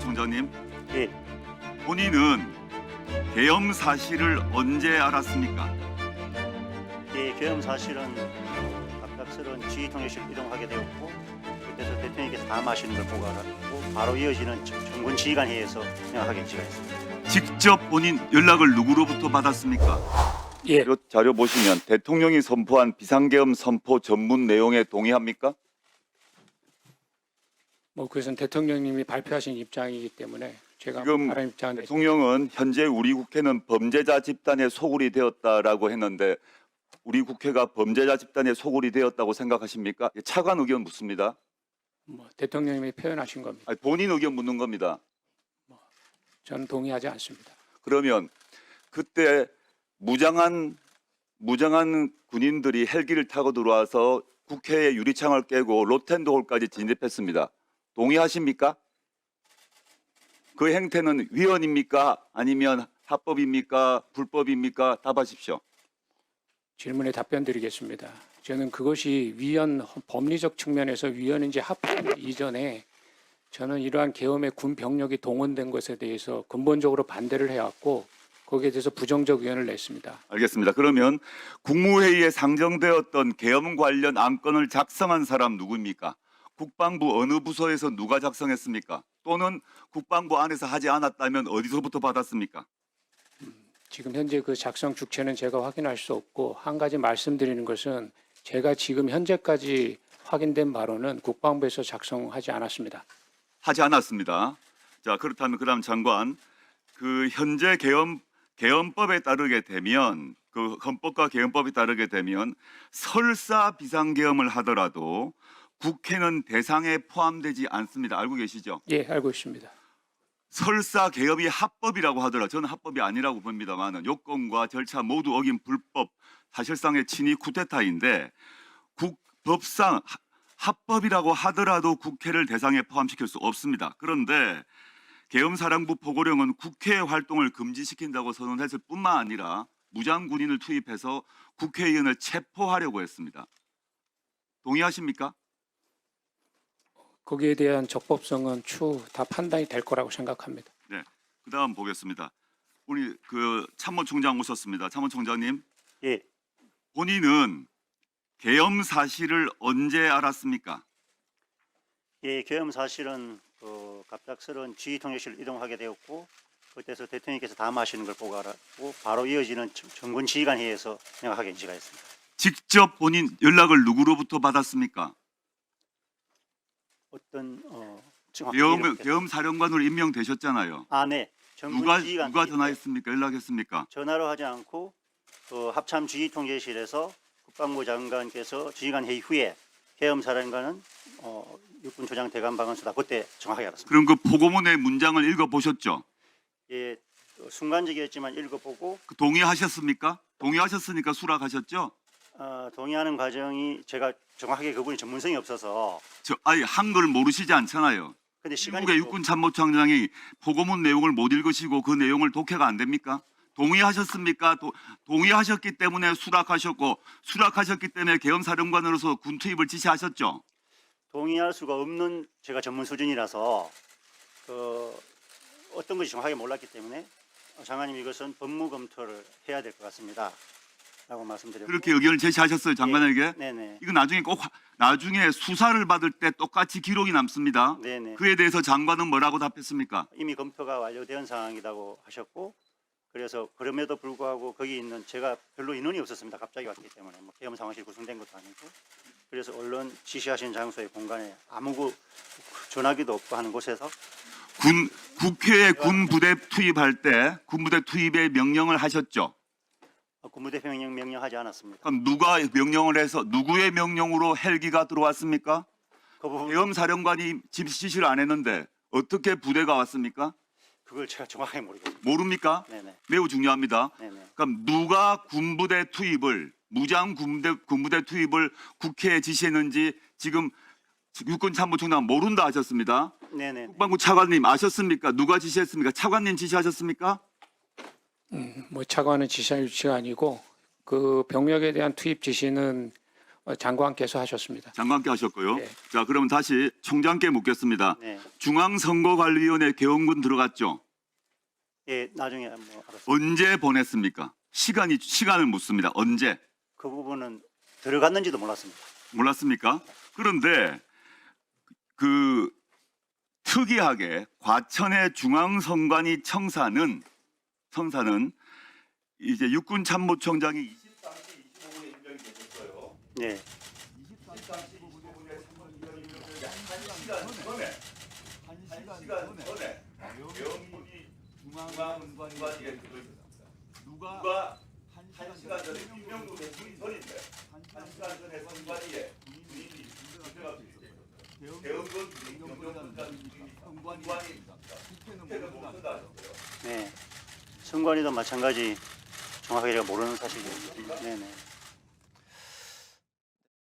참모총장님, 예, 본인은 계엄 사실을 언제 알았습니까? 예, 계엄 사실은 갑작스러운 지휘통역실 이동하게 되었고 그때서 대통령께서 담화하시는 걸 보고 알았고 바로 이어지는 정군 지휘관 회의에서 명확하게 지시했습니다. 직접 본인 연락을 누구로부터 받았습니까? 예, 자료 보시면 대통령이 선포한 비상계엄 선포 전문 내용에 동의합니까? 뭐 그것은 대통령님이 발표하신 입장이기 때문에 제가 지금 다른 입장은 대통령은 현재 우리 국회는 범죄자 집단의 소굴이 되었다라고 했는데 우리 국회가 범죄자 집단의 소굴이 되었다고 생각하십니까? 차관 의견 묻습니다. 뭐 대통령님이 표현하신 겁니다. 아니, 본인 의견 묻는 겁니다. 저는 동의하지 않습니다. 그러면 그때 무장한 군인들이 헬기를 타고 들어와서 국회의 유리창을 깨고 로텐도홀까지 진입했습니다. 동의하십니까? 그 행태는 위헌입니까? 아니면 합법입니까? 불법입니까? 답하십시오. 질문에 답변 드리겠습니다. 저는 그것이 위헌 법리적 측면에서 위헌인지 합법 이전에 저는 이러한 계엄의 군 병력이 동원된 것에 대해서 근본적으로 반대를 해왔고 거기에 대해서 부정적 의견을 냈습니다. 알겠습니다. 그러면 국무회의에 상정되었던 계엄 관련 안건을 작성한 사람 누구입니까? 국방부 어느 부서에서 누가 작성했습니까? 또는 국방부 안에서 하지 않았다면 어디서부터 받았습니까? 지금 현재 그 작성 주체는 제가 확인할 수 없고 한 가지 말씀드리는 것은 제가 지금 현재까지 확인된 바로는 국방부에서 작성하지 않았습니다. 하지 않았습니다. 자, 그렇다면 그다음 장관, 그 현재 계엄법에 따르게 되면 그 헌법과 계엄법에 따르게 되면 설사 비상계엄을 하더라도 국회는 대상에 포함되지 않습니다. 알고 계시죠? 예, 알고 있습니다. 설사 계엄이 합법이라고 하더라도 저는 합법이 아니라고 봅니다만 요건과 절차 모두 어긴 불법, 사실상의 친위 쿠데타인데 법상 합법이라고 하더라도 국회를 대상에 포함시킬 수 없습니다. 그런데 계엄사령부 포고령은 국회 활동을 금지시킨다고 선언했을 뿐만 아니라 무장군인을 투입해서 국회의원을 체포하려고 했습니다. 동의하십니까? 거기에 대한 적법성은 추후 다 판단이 될 거라고 생각합니다. 네. 그다음 보겠습니다. 우리 그 참모총장 오셨습니다. 참모총장님, 예, 본인은 계엄 사실을 언제 알았습니까? 예, 계엄 사실은 갑작스러운 지휘통역실 이동하게 되었고 그때서 대통령께서 담화하시는 걸 보고 알았고 바로 이어지는 정군 지휘관 회의에서 명확하게 지시했습니다. 직접 본인 연락을 누구로부터 받았습니까? 어떤 정확히 이해를 못했습니다. 계엄 사령관으로 임명되셨잖아요. 아, 네. 정군 누가 지휘관 회의 때 전화했습니까? 연락했습니까? 전화로 하지 않고 합참 지휘통제실에서 국방부 장관께서 지휘관 회의 후에 계엄 사령관은 육군 조장 대감 방언수다. 그때 정확하게 알았습니다. 그럼 그 포고문의 문장을 읽어보셨죠? 예, 순간적이었지만 읽어보고 동의하셨습니까? 동의하셨으니까 수락하셨죠? 동의하는 과정이 제가 정확하게 그분이 전문성이 없어서 아니 한글 모르시지 않잖아요. 근데 시간이 미국의 육군 참모총장이 포고문 내용을 못 읽으시고 그 내용을 독해가 안 됩니까? 동의하셨습니까? 동의하셨기 때문에 수락하셨고 수락하셨기 때문에 계엄사령관으로서 군 투입을 지시하셨죠? 동의할 수가 없는 제가 전문 수준이라서 어떤 것이 정확하게 몰랐기 때문에 장관님 이것은 법무 검토를 해야 될 것 같습니다. 라고 말씀드렸고 그렇게 의견을 제시하셨어요, 장관에게? 네네. 이거 나중에 수사를 받을 때 똑같이 기록이 남습니다. 네네. 그에 대해서 장관은 뭐라고 답했습니까? 이미 검토가 완료된 상황이라고 하셨고 그래서 그럼에도 불구하고 거기 있는 제가 별로 인원이 없었습니다. 갑자기 왔기 때문에 뭐 계엄 상황실 구성된 것도 아니고 그래서 언론 지시하신 장소의 공간에 아무 전화기도 없고 하는 곳에서 국회에 군부대 투입할 때 군부대 투입의 명령을 하셨죠? 군부대 명령하지 않았습니다. 그럼 누가 명령을 해서 누구의 명령으로 헬기가 들어왔습니까? 그 부분 계엄 사령관이 지시를 안 했는데 어떻게 부대가 왔습니까? 그걸 제가 정확하게 모르겠습니다. 모릅니까? 네네. 매우 중요합니다. 네네. 그럼 누가 군부대 투입을 무장 군부대 투입을 국회에 지시했는지 지금 육군 참모총장 모른다 하셨습니다. 네네. 국방부 차관님 아셨습니까? 누가 지시했습니까? 차관님 지시하셨습니까? 뭐 차관은 지시할 위치가 아니고 그 병력에 대한 투입 지시는 장관께서 하셨습니다. 장관께 하셨고요. 네. 자, 그러면 다시 총장께 묻겠습니다. 네. 중앙선거관리위원회 개원군 들어갔죠? 예, 나중에 뭐 알았습니다. 언제 보냈습니까? 시간을 묻습니다. 언제? 그 부분은 들어갔는지도 몰랐습니다. 몰랐습니까? 그런데 그 특이하게 과천의 중앙선관위 청사는 이제 육군참모총장이 23시 25분에 임명이 되셨어요. 네. 23시 25분에 한 시간 전에 외원군이 중앙선관위에 들어있었습니다. 누가 한 시간 전에 임명도 되기 전인데 한 시간 전에 선관위에 군인이 들어갈 수 있었어요. 대원군 선관위입니다. 국회는 못 쓴다 하셨어요. 네. 선관위도 마찬가지 정확하게 제가 모르는 사실이에요. 네네.